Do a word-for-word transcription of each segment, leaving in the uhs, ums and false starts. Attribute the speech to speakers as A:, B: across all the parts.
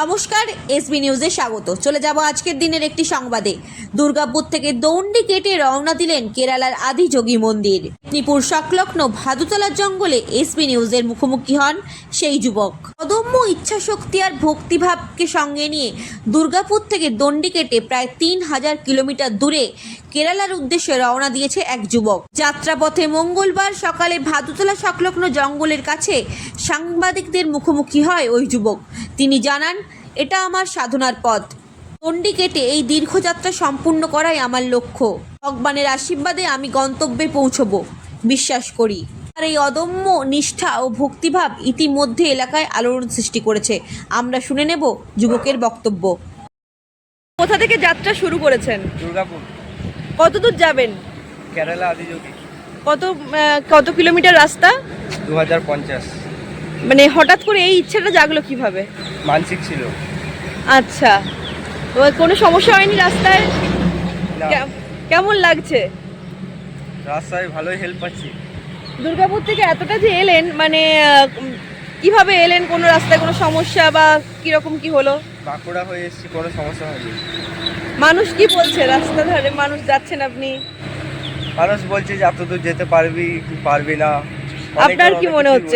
A: নমস্কার, এসবি নিউজে স্বাগত। চলে যাব আজকের দিনের একটি সংবাদে। দুর্গাপুর থেকে দণ্ডি কেটে রওনা দিলেন কেরালার আদিযোগী মন্দির। মেদিনীপুর সংলগ্ন ভাদুতলার জঙ্গলে এসবি নিউজের মুখোমুখি হন সেই যুবক। অদম্য ইচ্ছাশক্তি আর ভক্তিভাবকে সঙ্গে নিয়ে দুর্গাপুর থেকে দণ্ডি কেটে প্রায় তিন হাজার কিলোমিটার দূরে কেরালার উদ্দেশ্যে রওনা দিয়েছে এক যুবক। যাত্রাপথে মঙ্গলবার সকালে ভাদুতলা সংলগ্ন জঙ্গলের কাছে সাংবাদিকদের মুখোমুখি হয় ওই যুবক। তিনি জানান, এটা আমার সাধনার পথ। দণ্ডি কেটে এই দীর্ঘযাত্রা সম্পূর্ণ করাই আমার লক্ষ্য। ভগবানের আশীর্বাদে আমি গন্তব্যে পৌঁছব বিশ্বাস করি। আর এই অদম্য নিষ্ঠা ও ভক্তিভাব ইতিমধ্যে এলাকায় আলোড়ন সৃষ্টি করেছে। আমরা শুনে নেব যুবকের বক্তব্য। কোথা থেকে যাত্রা শুরু করেছেন?
B: দুর্গাপুর।
A: কত দূর যাবেন?
B: কেরালা আদিযোগী।
A: কত কত কিলোমিটার রাস্তা?
B: দু হাজার পঞ্চাশ।
A: মানে হঠাৎ করে এই ইচ্ছাটা জাগলো কিভাবে?
B: মানসিক ছিল।
A: আচ্ছা, কোনো সমস্যা হয়নি রাস্তায়?
B: না।
A: কেমন লাগছে?
B: রাস্তায় ভালোই হেল্প পাচ্ছি।
A: দুর্গাপুর থেকে এতটা যে এলেন, মানে কিভাবে এলেন? কোনো রাস্তায় কোনো সমস্যা বা কিরকম কি হলো?
B: বাঁকুড়া হয়ে এসেছি, কোনো সমস্যা হয়নি।
A: মানুষ কি বলছে? রাস্তা ধারে মানুষ যাচ্ছেন আপনি,
B: মানুষ বলছে যে এত দূর যেতে পারবি কি পারবি না।
A: আপনার কি মনে হচ্ছে?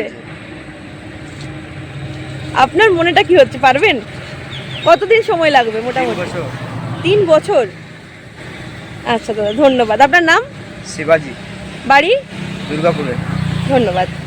A: আপনার মনেটা কি হচ্ছে, পারবেন? কতদিন সময় লাগবে মোটামুটি?
B: বছর।
A: তিন বছর। আচ্ছা দাদা, ধন্যবাদ। আপনার নাম?
B: শিবাজি।
A: বাড়ি?
B: দুর্গাপুরে।
A: ধন্যবাদ।